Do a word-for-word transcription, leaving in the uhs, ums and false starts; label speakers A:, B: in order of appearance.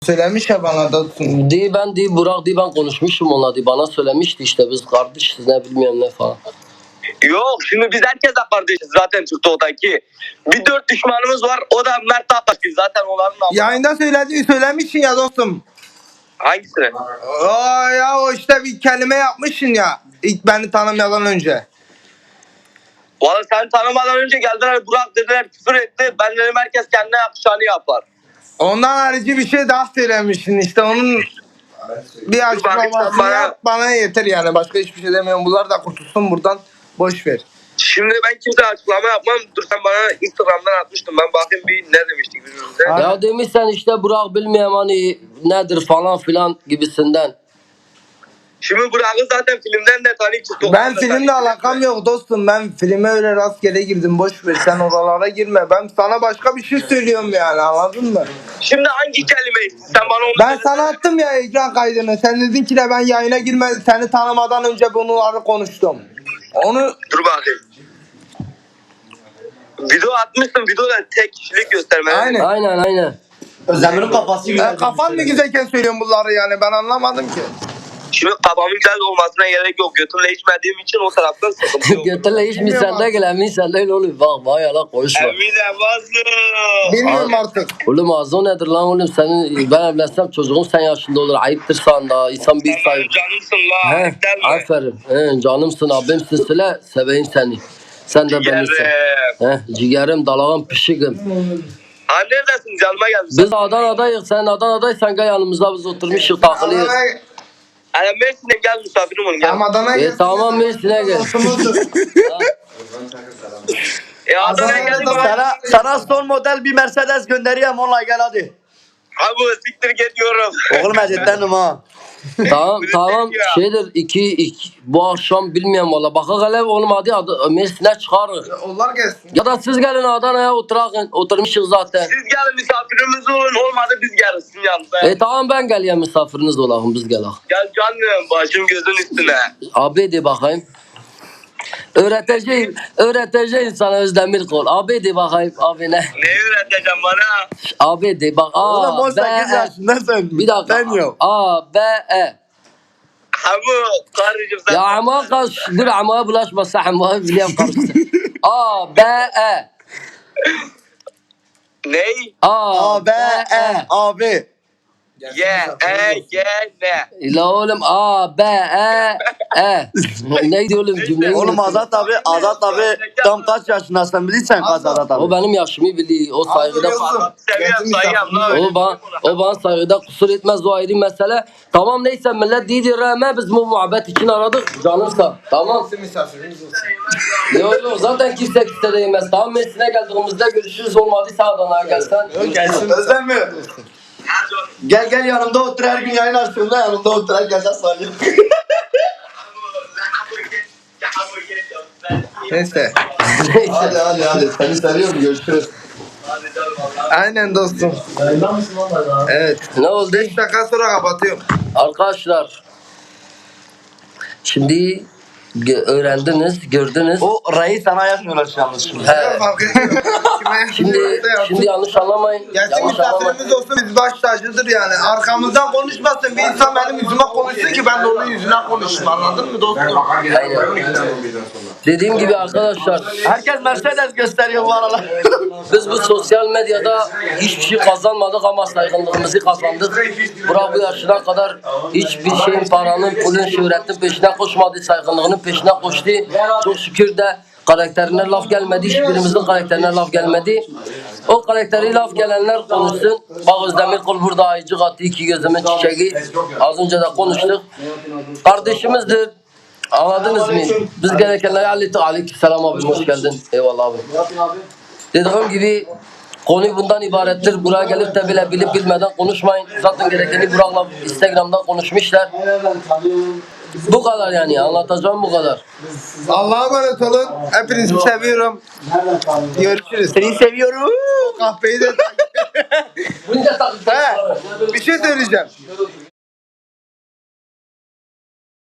A: Söylemiş ya bana da.
B: Di ben di Burak di ben konuşmuşum onunla di bana söylemişti işte biz kardeşiz ne bilmiyorum ne falan.
C: Yok şimdi biz herkesle kardeşiz zaten TikTok'taki. Bir dört düşmanımız var o da Mert Ataş'ı zaten onların namı.
A: Yayında söyledi, söylemişsin ya dostum.
C: Hangisini?
A: Aa ya o işte bir kelime yapmışsın ya. İlk beni tanımadan önce.
C: Valla seni tanımadan önce geldiler Burak dediler küfür etti. Ben dedim herkes kendine yakışanı yapar.
A: Ondan harici bir şey daha söylemişsin işte onun bir açıklamasını
C: bana-
A: yap bana yeter yani başka hiçbir şey demiyorum. Bunlar da kurtulsun buradan boş ver.
C: Şimdi ben kimseye açıklama yapmam. Dur sen bana Instagram'dan atmıştın. Ben bakayım bir ne demiştik birbirimize.
A: Ha.
B: Ya demişsen işte Burak bilmiyorum hani nedir falan filan gibisinden.
C: Şimdi Burak'ı zaten filmden de tanıyıp TikTok'tan
A: Ben
C: da
A: filmle
C: tanıyıp-
A: alakam yok dostum. Ben filme öyle rastgele girdim. Boş ver sen oralara girme. Ben sana başka bir şey söylüyorum yani anladın mı?
C: Şimdi hangi kelimeyi sen bana onu
A: Ben
C: söyle.
A: sana attım ya ekran kaydını. Sen dedin ki de ben yayına girme seni tanımadan önce bunları konuştum. Onu
C: Dur bakayım. Video atmışsın. Videoda tek kişilik gösterme.
A: aynen.
B: Aynen aynen.
D: Özdemir'in kafası
A: E, kafan mı güzelken söylüyorsun bunları yani ben anlamadım ki.
C: Şimdi kafamın güzel olmasına gerek yok. Götümle içmediğim için o taraftan sıkıntı yok.
B: Götürle hiç mi
A: Bilmiyorum
B: sende
A: abi.
B: gel emin sende öyle oluyor bak bak yalan konuşma.
C: Emine basın.
A: Bilmiyorum artık.
B: Oğlum ağzı nedir lan oğlum senin ben evlensem çocuğun sen yaşında olur ayıptır sana da insan bir
C: Sen
B: say.
C: benim canımsın la.
B: He,
C: Eklenme.
B: aferin. He, canımsın abimsin söyle seveyim seni. Sen de beni sev.
C: Ciğerim.
B: He, ciğerim dalağım pişikim.
C: Ha neredesin? Canıma gelmişsin.
B: Biz Adana'dayız sen Adana'daysan gel yanımızda biz oturmuşuz takılıyoruz.
C: Yani Mersin'e gel misafirim olun gel.
A: Adana'ya
B: E
A: gelsin.
B: tamam Mersin'e gel.
C: E Adana'ya
A: Adana'ya
C: geldim.
A: da-
D: Sana, sana son model bir Mercedes göndereyim onunla gel hadi.
C: Abi siktir git diyorum.
D: Oğlum ezetlendim ha.
B: tamam tamam
C: Ya.
B: şeydir iki, iki bu akşam bilmiyorum valla. Baka gelev oğlum hadi Ad- Mersin'e çıkarız.
A: Onlar gelsin.
B: Ya da siz gelin Adana'ya oturakın. Oturmuşuz zaten.
C: Siz gelin misafirimiz olun. Olmadı biz geliriz sizin yanınıza.
B: E tamam ben geleyim misafiriniz olalım biz gelelim.
C: Gel canım başım gözün üstüne.
B: Abi de bakayım. Öğreteceğim, öğreteceğim sana Özdemir Kol. Abi de bakayım, abi ne?
C: Ne öğreteceğim bana?
B: Abi de bak, A,
D: Oğlum on
B: B,
D: sekiz
B: E.
D: yaşındasın.
B: Bir dakika.
D: Ben yok.
B: A, B, E.
C: Hamu karıcığım sen.
B: Ya ama kaç, dur ama bulaşmasa ama biliyorum karıştı. A, B, E.
C: Ney?
B: A,
D: A, B, E, abi.
C: Ye, e, ye, ne?
B: La oğlum A, B, E, E. Neydi oğlum cümleyi?
D: Oğlum
B: unuttum.
D: Azat abi, Azat abi tam kaç yaşındasın bilirsen kaç Azat
B: O
D: abi.
B: benim yaşımı biliyor. O saygıda
C: Seviyorum sayıyorum lan.
B: O bana, o bana saygıda kusur etmez o ayrı mesele. Tamam neyse millet dedi rağmen biz bu muhabbet için aradık. Canımsa. Tamam.
A: Misafirimiz olsun.
B: Yok yok zaten kimse kimse değmez. Tamam Mersin'e geldiğimizde görüşürüz olmadıysa Adana'ya gelsen.
A: Gelsin.
D: Özlem mi? Gel gel yanımda otur her gün yayın açtığımda yanımda otur her gece sarıyorum.
A: Neyse.
D: Hadi hadi hadi seni seviyorum görüşürüz.
A: Aynen dostum. Evet.
B: Ne oldu?
A: beş dakika sonra kapatıyorum.
B: Arkadaşlar. Şimdi gö- öğrendiniz, gördünüz.
D: O reis sana yakmıyorlar şu yalnız şimdi.
B: He.
A: Fark etmiyor. Kime
B: Şimdi
A: yaptıysa
B: şimdi
A: yapsın.
B: yanlış anlamayın.
A: Gerçek
B: Yanlış anlamayın.
A: misafirimiz olsun biz baş tacıdır yani. Arkamızdan konuşmasın. Bir insan benim yüzüme konuşsun ki ben de onun yüzüne konuşayım. Anladın mı dostum?
B: Dediğim gibi arkadaşlar
D: Herkes Mercedes gösteriyor bu aralar.
B: biz bu sosyal medyada hiçbir şey kazanmadık ama saygınlığımızı kazandık. Burak bu yaşına kadar hiçbir şeyin, paranın, pulun, şöhretin peşine koşmadı, saygınlığının peşine koştu. Çok şükür de karakterine laf gelmedi, hiçbirimizin karakterine laf gelmedi. O karakteri laf gelenler konuşsun. Bak Özdemir Kul burada ayıcık attı, iki gözümün çiçeği. Az önce de konuştuk. Kardeşimizdir. Anladınız mı? Biz gerekenleri hallettik. Aleykümselam abi, hoş geldin. Eyvallah abi. Dediğim gibi konu bundan ibarettir. Buraya gelip de bile bilip bilmeden konuşmayın. Zaten gerekeni Burak'la Instagram'dan konuşmuşlar. Bu kadar yani. Anlatacağım bu kadar.
A: Allah'a emanet olun. Hepinizi seviyorum. Görüşürüz.
D: Seni seviyorum.
A: Kahveyi de...
B: Bunca takipçiler.
A: He, bir şey söyleyeceğim.